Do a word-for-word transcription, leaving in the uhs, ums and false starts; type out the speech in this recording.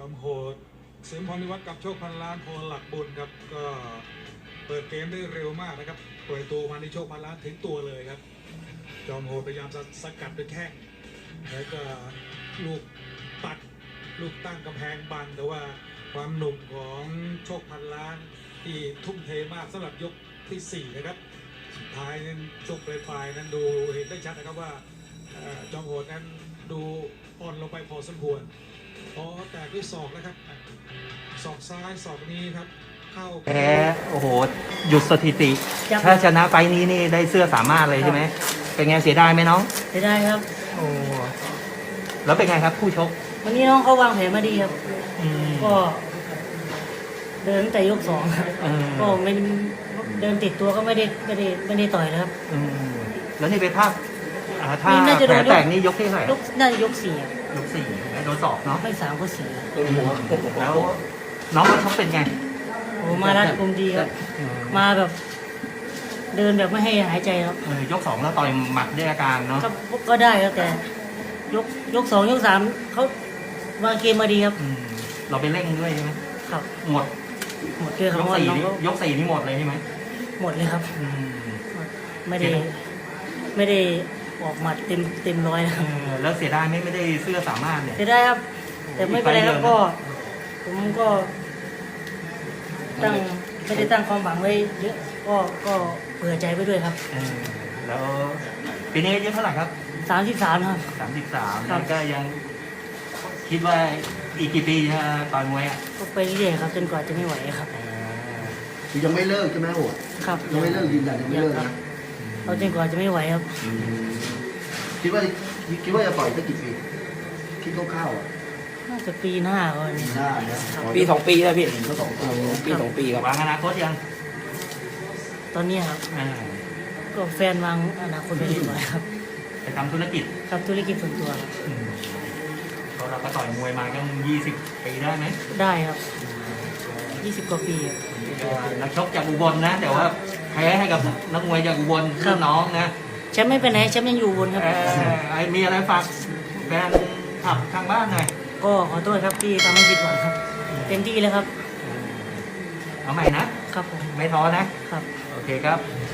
อมโหดเสริมพรนิวัฒน์กับโชคพันล้านพลหลักบุญครับก็เปิดเกมได้เร็วมากนะครับปล่อยตัวมาในโชคพันล้านถึงตัวเลยครับจอมโหดพยายามจะสกัดด้วยแข้งแล้วก็ลูกปัดลูกตั้งกำแพงบังแต่ว่าความหนุ่มของโชคพันล้านที่ทุ่มเทมากสำหรับยกที่สี่นะครับสุดท้ายนั้นช่วงปลายๆนั้นดูเห็นได้ชัดนะครับว่าจอมโหดนั้นดูอ่อนลงไปพอสมควรพอแตกด้วยศอกนะครับศอกซ้ายศอกนี้ครับเข้าแพ้โอ้โหหยุดสถิติถ้าชนะไฟนี้นี่ได้เสื้อสามารถเลยใช่ไหมเป็นไงเสียดายไหมน้องเสียดายครับโอ้แล้วเป็นไงครับคู่ชกวันนี้น้องเขาวางแผนมาดีครับก็เดินแต่ยกสองก็ไม่เดินติดตัวก็ไม่ได้ไม่ได้ไม่ได้ต่อยนะครับแล้วนี่ไปภาพถ้าแผลแตกนี่ยกที่เท่าไหร่น่าจะยกสี่ยกสี่โดนศอกเนาะไม่สามก็สี่แล้วน้องเขาชกเป็นไงโอ้มารัดกุมดีครับมาแบบเดินแบบไม่ให้หายใจครับยกสองแล้วต่อยหมัดด้วยอาการเนาะก็ได้ครับแต่ยกยกสองยกสามเขาวางเกมมาดีครับเราไปเร่งด้วยใช่ไหมครับหมดหมดเลยครับยกสี่ยกสี่นี่หมดเลยใช่ไหมหมดเลยครับไม่ได้ไม่ได้ออกหมัดเต็มเต็มร้อยนะครับแล้วเสียดายไม่ไม่ได้เสื้อสามารถเนี่ยเสียดายครับแต่ไม่เป็นไรครับก็ผมก็ตั้งไม่ได้ตั้งความหวังไว้เยอะก็ก็เผื่อใจไว้ด้วยครับแล้วปีนี้อายุเท่าไหร่ครับสามสิบสามครับสามสิบสามแล้วก็ยังคิดว่าอีกกี่ปีจะต่อยมวยอ่ะก็ไปเรื่อยครับจนกว่าจะไม่ไหวครับคือยังไม่เลิกใช่ไหมโหดครับยังไม่เลิกยืนยันยังไม่เลิกนะเอาจนกว่าจะไม่ไหวครับคิดว่าคิดว่าจะต่อยได้กี่ปีคิดคร่าวๆอ่ะน่าจะปีหน้าก่อนหน้าปีสองปีแล้วพี่ก็สองปีปีสองปีครับวางอนาคตยังตอนนี้ครับก็แฟนวางอนาคตไปเรียบร้อยครับไปทำธุรกิจครับธุรกิจส่วนตัวครับเราก็ต่อยมวยมาก็ยี่สิบปีได้ไหมได้ครับยี่สิบกว่าปีนักชกจากอุบลนะแต่ว่าแพ้ให้กับนักมวยจากอุบลรุ่นน้องนะแชมป์ไม่ไปไหนแชมป์ยังอยู่อุบลครับมีอะไรฝากแฟนขับทางบ้านหน่อยก็ขอโทษครับที่ทำให้ผิดหวังครับเต็มที่เลยครับเอาใหม่นะครับผมไม่ท้อนะครับโอเคครับ